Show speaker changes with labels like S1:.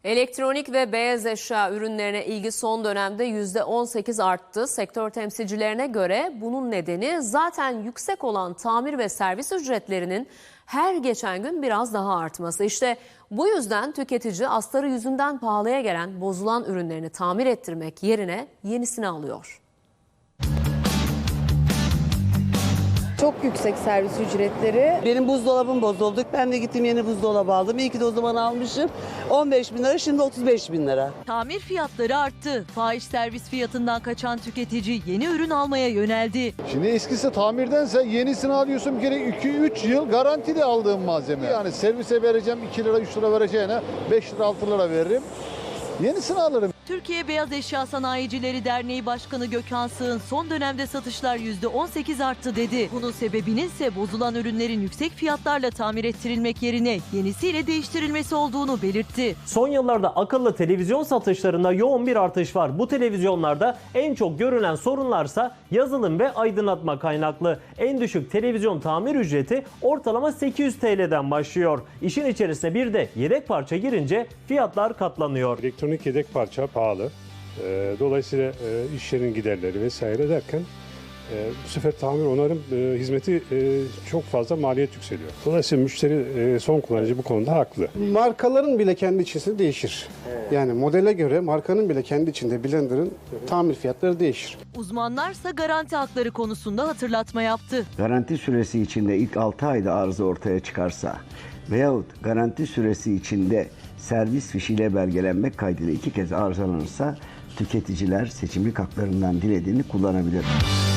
S1: Elektronik ve beyaz eşya ürünlerine ilgi son dönemde %18 arttı. Sektör temsilcilerine göre bunun nedeni zaten yüksek olan tamir ve servis ücretlerinin her geçen gün biraz daha artması. İşte bu yüzden tüketici astarı yüzünden pahalıya gelen bozulan ürünlerini tamir ettirmek yerine yenisini alıyor.
S2: Çok yüksek servis ücretleri.
S3: Benim buzdolabım bozuldu. Ben de gittim yeni buzdolabı aldım. İyi ki de o zaman almışım. 15 bin lira, şimdi 35 bin lira.
S4: Tamir fiyatları arttı. Fahiş servis fiyatından kaçan tüketici yeni ürün almaya yöneldi.
S5: Şimdi eskisi tamirdense yenisini alıyorsun, bir kere 2-3 yıl garantili aldığım malzeme. Yani servise vereceğim 2 lira 3 lira vereceğine 5 lira 6 lira veririm. Yenisini alırım.
S4: Türkiye Beyaz Eşya Sanayicileri Derneği Başkanı Gökhan Sığın son dönemde satışlar %18 arttı dedi. Bunun sebebinin ise bozulan ürünlerin yüksek fiyatlarla tamir ettirilmek yerine yenisiyle değiştirilmesi olduğunu belirtti.
S6: Son yıllarda akıllı televizyon satışlarında yoğun bir artış var. Bu televizyonlarda en çok görülen sorunlarsa yazılım ve aydınlatma kaynaklı. En düşük televizyon tamir ücreti ortalama 800 TL'den başlıyor. İşin içerisine bir de yedek parça girince fiyatlar katlanıyor.
S7: Elektronik yedek parça pahalı. Dolayısıyla iş yerinin giderleri vesaire derken bu sefer tamir onarım hizmeti çok fazla maliyet yükseliyor. Dolayısıyla müşteri son kullanıcı bu konuda haklı.
S8: Markaların bile kendi içinde değişir. Yani modele göre markanın bile kendi içinde blenderın tamir fiyatları değişir.
S4: Uzmanlarsa garanti hakları konusunda hatırlatma yaptı.
S9: Garanti süresi içinde ilk 6 ayda arıza ortaya çıkarsa veyahut garanti süresi içinde servis fişiyle belgelenmek kaydıyla 2 kez arızalanırsa tüketiciler seçimlik haklarından dilediğini kullanabilir.